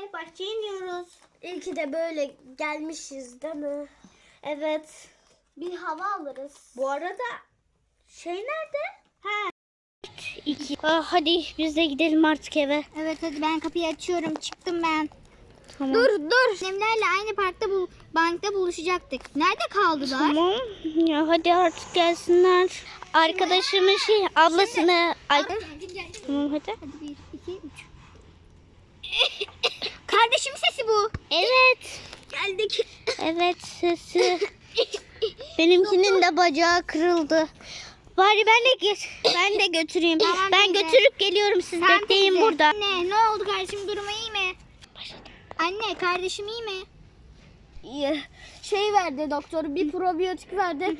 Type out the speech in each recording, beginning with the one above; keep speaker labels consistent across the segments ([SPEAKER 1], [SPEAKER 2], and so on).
[SPEAKER 1] bahçeye iniyoruz. İyi ki de böyle gelmişiz değil mi? Evet. Bir hava alırız. Bu arada şey nerede? Ha. 2. Hadi biz de gidelim artık eve.
[SPEAKER 2] Evet hadi ben kapıyı açıyorum. Çıktım ben.
[SPEAKER 1] Tamam.
[SPEAKER 2] Dur. Annemlerle aynı parkta bankta buluşacaktık. Nerede kaldılar?
[SPEAKER 1] Tamam. Ya hadi artık gelsinler. Arkadaşımın ablasını. Tamam hadi.
[SPEAKER 2] Hadi 1, 2, 3. Kardeşim sesi bu.
[SPEAKER 1] Evet.
[SPEAKER 2] Geldik.
[SPEAKER 1] Evet sesi. Benimkinin de bacağı kırıldı. Bari ben de götüreyim.
[SPEAKER 2] Tamam,
[SPEAKER 1] ben
[SPEAKER 2] teyze.
[SPEAKER 1] götürüp geliyorum, siz bekleyin
[SPEAKER 2] teyze.
[SPEAKER 1] burada.
[SPEAKER 2] Anne ne oldu kardeşim, durumu iyi mi? Anne kardeşim iyi mi?
[SPEAKER 1] Şey verdi doktor, bir probiyotik verdi.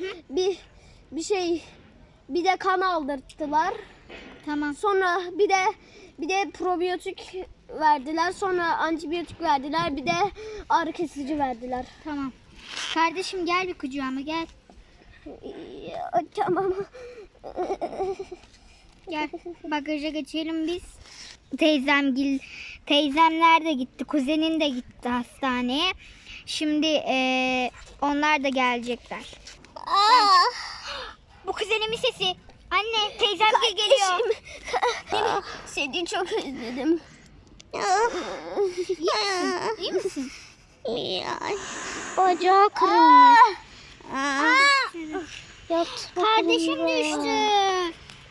[SPEAKER 1] Bir de kan aldırttılar.
[SPEAKER 2] Tamam.
[SPEAKER 1] Sonra bir de probiyotik verdiler. Sonra antibiyotik verdiler. Bir de ağrı kesici verdiler.
[SPEAKER 2] Tamam. Kardeşim gel bir kucağıma gel.
[SPEAKER 1] Tamam.
[SPEAKER 2] Gel bagaja geçelim biz. Teyzemler de gitti. Kuzenin de gitti hastaneye. Şimdi onlar da gelecekler. Bu kuzenimin sesi. Anne teyzem geliyor.
[SPEAKER 1] Seni çok özledim.
[SPEAKER 2] İyi misin?
[SPEAKER 1] Bacağı kırılmış. Yat
[SPEAKER 2] Kardeşim
[SPEAKER 1] bakalım
[SPEAKER 2] düştü.
[SPEAKER 1] buraya.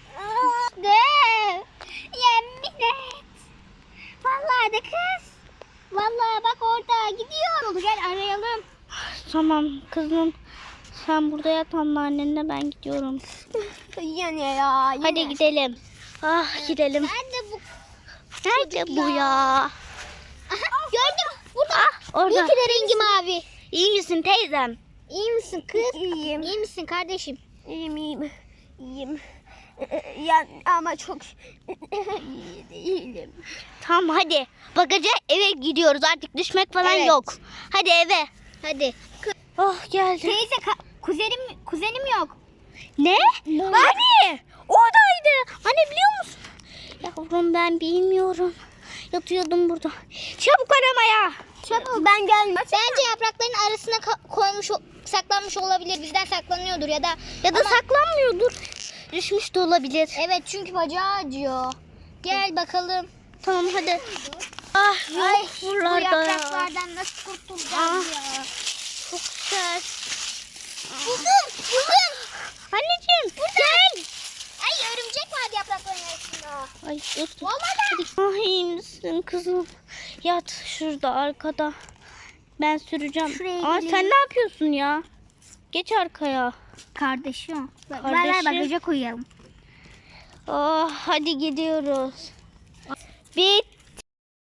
[SPEAKER 2] Yemin et. Vallahi de kız. Vallahi bak orada gidiyor. Gel arayalım.
[SPEAKER 1] Tamam kızım. Sen burada yat anneannenle, ben gidiyorum.
[SPEAKER 2] Yine.
[SPEAKER 1] Hadi gidelim. Gidelim.
[SPEAKER 2] Nerede bu?
[SPEAKER 1] Nerede bu ya?
[SPEAKER 2] Aha, gördüm. Burada.
[SPEAKER 1] Orada.
[SPEAKER 2] İyi ki de rengi mavi.
[SPEAKER 1] İyi misin teyzem?
[SPEAKER 2] İyi misin kız?
[SPEAKER 1] İyiyim.
[SPEAKER 2] İyi misin kardeşim?
[SPEAKER 1] İyiyim. Ya ama çok iyi değilim. Tamam hadi. Bagaja eve gidiyoruz. Artık düşmek falan
[SPEAKER 2] Evet.
[SPEAKER 1] yok. Hadi eve.
[SPEAKER 2] Hadi.
[SPEAKER 1] Geldi.
[SPEAKER 2] Teyze kuzenim yok.
[SPEAKER 1] Ne? Hani? Oradaydı. Hani biliyor musun? Yavrum ben bilmiyorum. Yatıyordum burada. Çabuk aramaya.
[SPEAKER 2] Çabuk. Ben gelmem. Bence yaprakların arasına saklanmış olabilir. Bizden saklanıyordur ya da ama-
[SPEAKER 1] saklanmıyordur. Düşmüş de olabilir.
[SPEAKER 2] Evet çünkü bacağı acıyor. Gel bakalım.
[SPEAKER 1] Tamam hadi.
[SPEAKER 2] Ay bu
[SPEAKER 1] buralarda ya.
[SPEAKER 2] yapraklardan nasıl kurtulacağız ya?
[SPEAKER 1] Çok güzel.
[SPEAKER 2] Buldum.
[SPEAKER 1] Anneciğim gel.
[SPEAKER 2] Ay örümcek vardı yaprakların arasında.
[SPEAKER 1] Ay dur.
[SPEAKER 2] Vallahi
[SPEAKER 1] İyi misin kızım? Yat şurada arkada. Ben süreceğim.
[SPEAKER 2] Şuraya
[SPEAKER 1] Sen
[SPEAKER 2] geleyim.
[SPEAKER 1] ne yapıyorsun ya? Geç arkaya.
[SPEAKER 2] Kardeşim. Ver
[SPEAKER 1] Kardeşim.
[SPEAKER 2] bagaja koyalım.
[SPEAKER 1] Hadi gidiyoruz. Bitti.